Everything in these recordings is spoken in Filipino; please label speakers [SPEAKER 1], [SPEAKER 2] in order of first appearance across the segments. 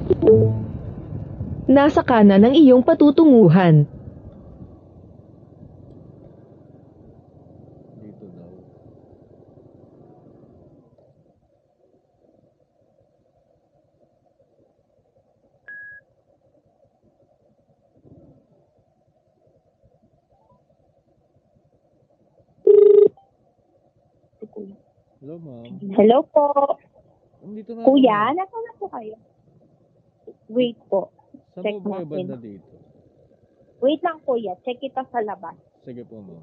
[SPEAKER 1] Nasa kanan ng iyong patutunguhan.
[SPEAKER 2] Dito daw. Hello, ma'am.
[SPEAKER 3] Hello po.
[SPEAKER 2] Dito na
[SPEAKER 3] Kuya,
[SPEAKER 2] ako, ma'am.
[SPEAKER 3] nasa na po kayo? Wait po.
[SPEAKER 2] Saan
[SPEAKER 3] check
[SPEAKER 2] po ba kayo
[SPEAKER 3] natin.
[SPEAKER 2] banda dito?
[SPEAKER 3] Wait lang kuya, check kita sa labas.
[SPEAKER 2] Sige po, ma'am.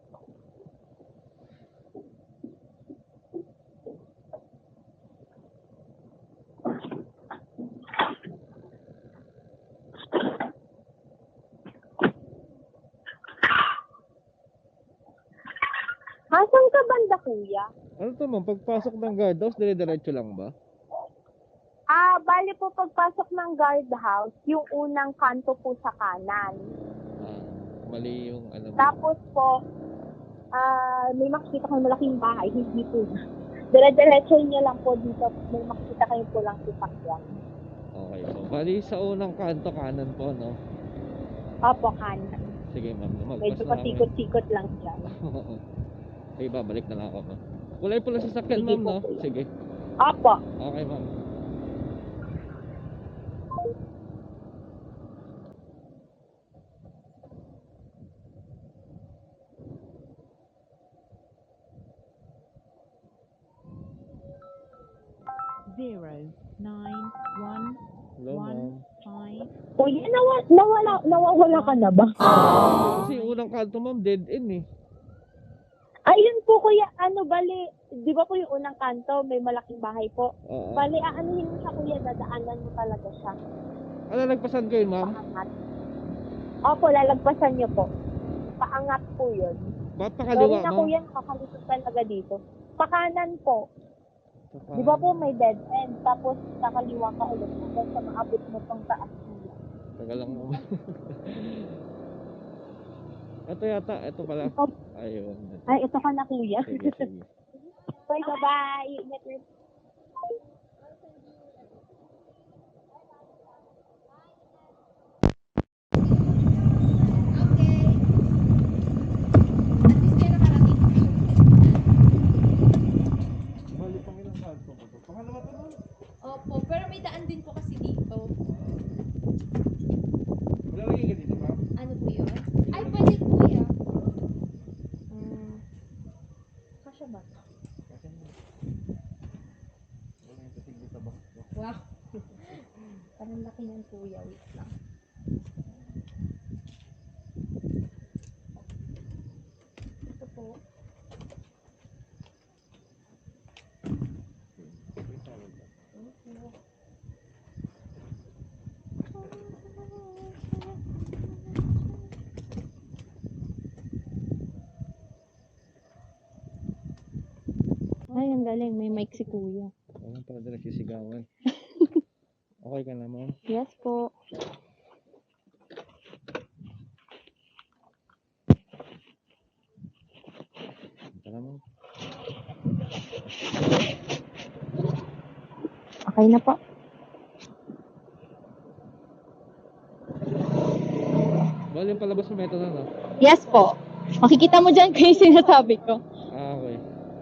[SPEAKER 3] Asan ka banda kuya?
[SPEAKER 2] Ano to, ma'am? Pagpasok ng guardhouse, dire-diretso lang ba?
[SPEAKER 3] Bali po pagpasok ng guardhouse, yung unang kanto po sa kanan.
[SPEAKER 2] Mali yung alam mo.
[SPEAKER 3] Tapos po, may makikita kayong malaking bahay, hindi po. Dire-diretso niyo lang po dito, may makikita kayong pulang sasakyan.
[SPEAKER 2] Okay po. Bali sa unang kanto kanan po, no?
[SPEAKER 3] Opo, kanan.
[SPEAKER 2] Sige, ma'am.
[SPEAKER 3] Medyo pasikot-sikot lang siya.
[SPEAKER 2] Sige, babalik na lang ako, ma'am. Kulay pula sa sakyan,
[SPEAKER 3] Sige
[SPEAKER 2] ma'am,
[SPEAKER 3] po,
[SPEAKER 2] no?
[SPEAKER 3] kuya.
[SPEAKER 2] Sige.
[SPEAKER 3] Opo.
[SPEAKER 2] Okay, ma'am. Hello, ma'am.
[SPEAKER 3] Kuya, nawawala ka na ba?
[SPEAKER 2] Kasi yung unang kanto, ma'am, dead end eh.
[SPEAKER 3] Ayun po kuya, bali, di ba po yung unang kanto, may malaking bahay po.
[SPEAKER 2] Oo.
[SPEAKER 3] Bali, aanuhin mo siya kuya, dadaanan mo talaga siya.
[SPEAKER 2] Ano, nagpasan ko yun, ma'am?
[SPEAKER 3] Paangat. Opo, lalagpasan niyo po. Paangat po yun.
[SPEAKER 2] Ba't pakaliwa,
[SPEAKER 3] Gawin na
[SPEAKER 2] ma'am?
[SPEAKER 3] kuya, nakakalisot talaga dito. Pakanan po. Di ba po may dead end, tapos nakaliwa ka ulit hanggang sa maabot mo tong taas kuya.
[SPEAKER 2] Tagal lang, ma'am. Ito yata, ito pala. Ayun.
[SPEAKER 3] Ay, ito ka na kuya.
[SPEAKER 2] Sige, sige.
[SPEAKER 3] Bye, bye-bye. Ingat rin.
[SPEAKER 2] Bali, pang ilang kanto ko to? Pangalawa to, ma'am?
[SPEAKER 4] Opo, pero may daan din po kasi dito.
[SPEAKER 2] Wala lagi ka dito, ma'am?
[SPEAKER 4] Ano po yun? Ay, pwede kuya. Kasya ba?
[SPEAKER 2] Kasi wala yung tatig dito ba?
[SPEAKER 4] Wow. Parang laki ng kuya. Wait lang. Ito po.
[SPEAKER 3] Ay, ang galing. May mic si kuya.
[SPEAKER 2] Walang pala na nagsisigawan. Okay ka na, ma'am?
[SPEAKER 3] Yes po.
[SPEAKER 2] Tara, ma'am.
[SPEAKER 3] Okay na po.
[SPEAKER 2] Bali, yung palabas mo meto na, no?
[SPEAKER 3] Yes po. Makikita mo dyan kung yung sinasabi ko.
[SPEAKER 2] Okay.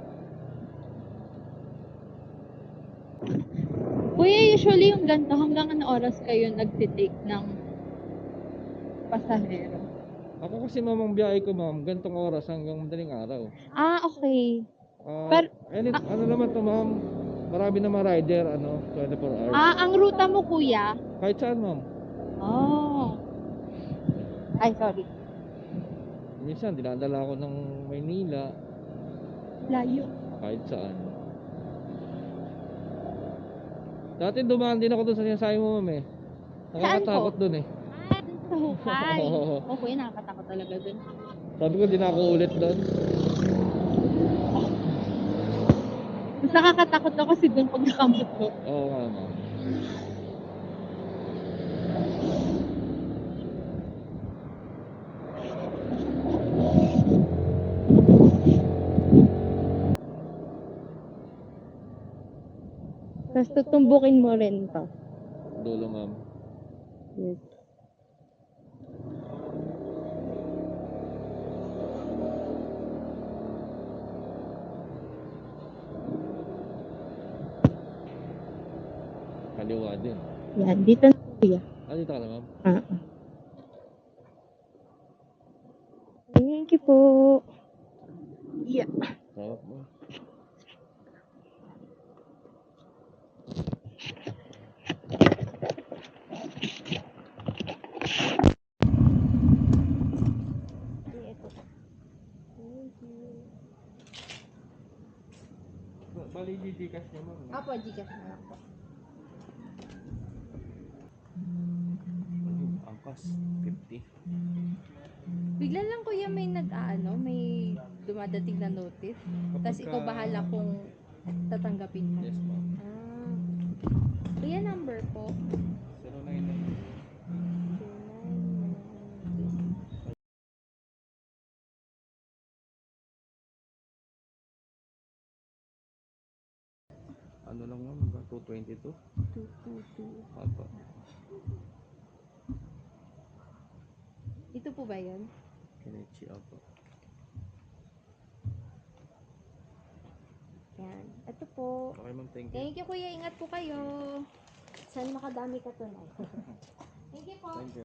[SPEAKER 3] Kuya, usually yung ganito, hanggang ano oras kayo nagtitake ng pasahero?
[SPEAKER 2] Ako kasi, ma'am, ang biyahe ko, ma'am, gantong oras hanggang madaling araw.
[SPEAKER 3] Okay.
[SPEAKER 2] Ano naman to, ma'am? Marami namang rider, 24 hours.
[SPEAKER 3] Ang ruta mo, kuya?
[SPEAKER 2] Kahit saan, ma'am.
[SPEAKER 3] Oh. Ay, sorry.
[SPEAKER 2] Minsan, dinadala ako ng Maynila,
[SPEAKER 3] Layo.
[SPEAKER 2] kahit saan. Dati dumaan din ako doon sa sinasabi mo, ma'am, eh. Nakakatakot doon, eh.
[SPEAKER 3] Dun sa hukay.
[SPEAKER 2] Oo.
[SPEAKER 3] Okay, nakakatakot talaga dun.
[SPEAKER 2] Sabi ko, di na ako ulit doon.
[SPEAKER 3] Mas nakakatakot ako kasi dun pag nakamot ko.
[SPEAKER 2] Oo nga, ma'am.
[SPEAKER 3] Tapos tutumbukin mo rin to.
[SPEAKER 2] Dulo, ma'am.
[SPEAKER 3] Yes.
[SPEAKER 2] Kaliwa din.
[SPEAKER 3] Yan, dito na kuya.
[SPEAKER 2] Dito ka na, ma'am.
[SPEAKER 3] Thank you po. Yeah.
[SPEAKER 2] Tawag mo. Bali, didikas niya, ma'am.
[SPEAKER 4] Apo, Gcash na lang po.
[SPEAKER 2] Angkas, 50.
[SPEAKER 4] Bigla lang kuya may may dumadating na notice. Tapos ikaw bahala kung tatanggapin mo.
[SPEAKER 2] Yes, ma'am.
[SPEAKER 4] Ah. Kuya, number po.
[SPEAKER 2] 099.
[SPEAKER 4] 0992.
[SPEAKER 2] Ano lang, ma'am? 222.
[SPEAKER 4] 222.
[SPEAKER 2] Apa.
[SPEAKER 4] Ito po ba yun?
[SPEAKER 2] Kenichi, apa.
[SPEAKER 4] Yan. Ito po.
[SPEAKER 2] Okay, ma'am. Thank you.
[SPEAKER 4] Thank you kuya. Ingat po kayo. Sana makadami ka tunay. Thank you po.
[SPEAKER 2] Thank you.